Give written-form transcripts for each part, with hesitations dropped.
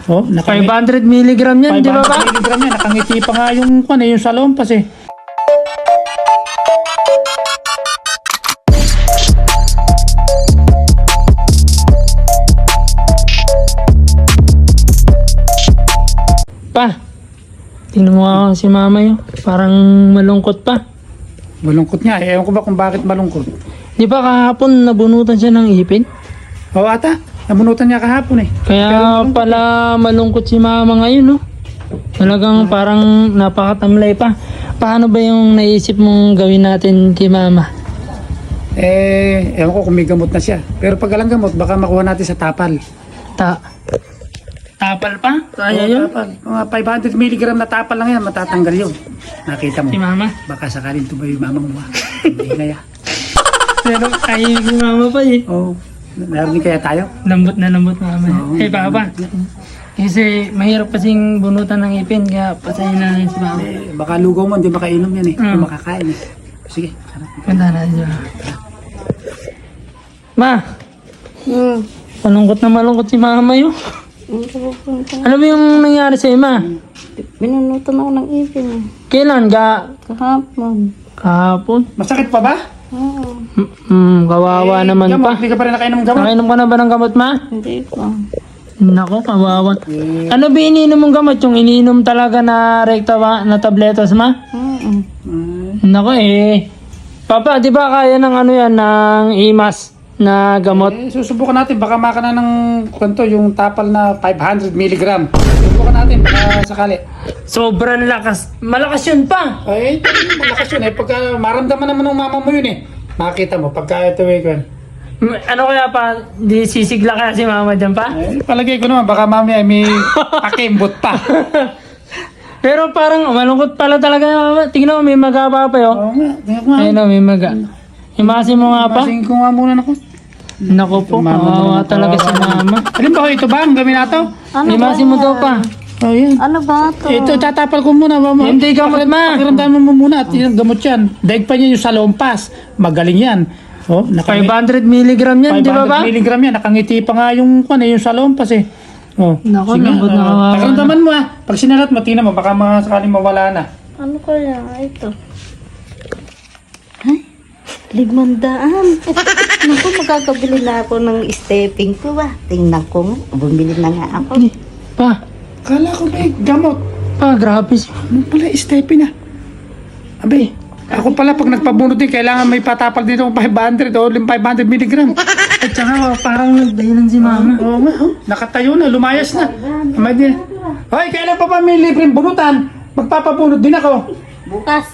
Oh, 500 milligram yan, di ba ba? 500 milligram yan. Nakangiti pa nga yung salompas eh. Pa, tingnan mo nga si mama yun. Parang malungkot pa. Malungkot nga. Ewan ko ba kung bakit malungkot. Di ba kahapon nabunutan siya ng ipin? Oo ata. Nabunutan niya kahapon eh. Kaya pala malungkot si mama ngayon, no? Talagang parang napakatamlay pa. Paano ba yung naisip mong gawin natin kay mama? Ewan ko kung may gamot na siya. Pero pag alang gamot, baka makuha natin sa tapal. Tapal pa? Oo, Kaya yun? tapal. Mga 500 milligram na tapal lang yan, matatanggal yun. Nakita mo. Si mama? Baka sakalin tumayo yung mamang mo. Hindi na yan. Pero kaya si mama pa eh. Oo. Narinig kaya tayo? Lambot na lambot mama. Oo. Eh papa, kasi mahirap kasing bunutan ng ipin, kaya pasahin na rin si mama. Baka lugaw mo, hindi makainom yan eh. Hindi Mm. makakain eh. Sige. Ganda na siya. Ma, Hmm. malungkot si mama yun. Ano ba yung nangyari sa'yo, ma? Binunutan ako ng ipin. Kailan? Kahapon. Kahapon? Masakit pa ba? Oo. Kawawa naman Gamot, pa. hindi ka pa rin nakainom ng gamot. Nakainom ka na ba ng gamot, ma? Hindi ko. Nako, kawawa. Ano ba ininom mong gamot? Yung ininom talaga na rekta ba, na tabletas, ma? Oo. Nako Papa, di ba kaya ng ano yan, ng imas na gamot? Susubukan natin. Baka makana ng kwento yung tapal na 500 milligram. Susubukan natin. Baka sakali. Sobrang lakas. Malakas yun pa. Ay, malakas yun eh. Pagka maramdaman naman ng mama mo yun eh. Makita mo. Pagka ito eh. Ano kaya pa? Di sisigla kaya si mama dyan pa? Palagay ko naman. Baka mami ay may pakimbot pa. Pero parang malungkot pala talaga yung mama. Tingnan mo, may maga pa pa yun. Oo nga. Tingnan ko nga. Ayun o, may maga. Imasin mo nga pa. Masingin ko nga muna ako. Nako po, kawawa talaga si mama. Alin ba ito ba? Ang gamin nato? Imasin mo daw pa. Oh, yan. Ano ba ito? Ito, tatapal ko muna. Hindi gamot, ma. Pakiramdaman mo muna at yung gamot yan. Daig pa niya yung salompas. Magaling yan. Oh, 500 milligram yan, di ba ba? 500 milligram yan. Nakangiti pa nga yung salompas eh. Oh. Nako, Sige, lambot na kawawa. pakiramdaman mo Pag sinalat mo, tingnan mo. Baka mga sakaling mawala na. Ano kaya ito? Ay, 500. Naku, magkakabili na ako ng stepping ko ba? Tingnan ko nga. Bumili na nga ako. Pa, Kala ko may gamot. grabe siya. Ano pala, stepping na. Abe, ako pala pag nagpabunot din, kailangan may patapal dito ng 500 o 500 milligram. At saka parang nagdahilan si mama. Oo nga, nakatayo na, lumayas na. Amay din. Hoy, kailan pa ba may libreng bunutan? Magpapabunot din ako. Bukas.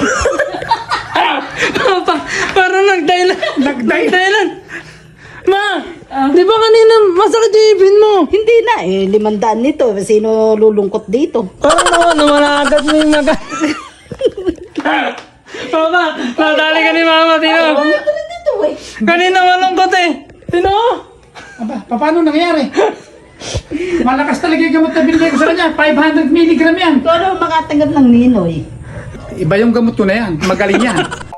Papa, parang nagdahilan. Nagdahilan. Ma, di ba kanina masakit yung ipin mo? Hindi na 500 nito. Sino lulungkot dito? Parang nawala agad mo yung maga. Papa, nadali ka ni mama, tino. Dito eh. Kanina malungkot eh. Tino? Aba, paano nangyari? Malakas talaga yung gamot na binigay ko sa kanya. 500 milligram yan. Ito ano makatanggap ng ninoy? Iba yung gamot ko na yan. Magaling yan.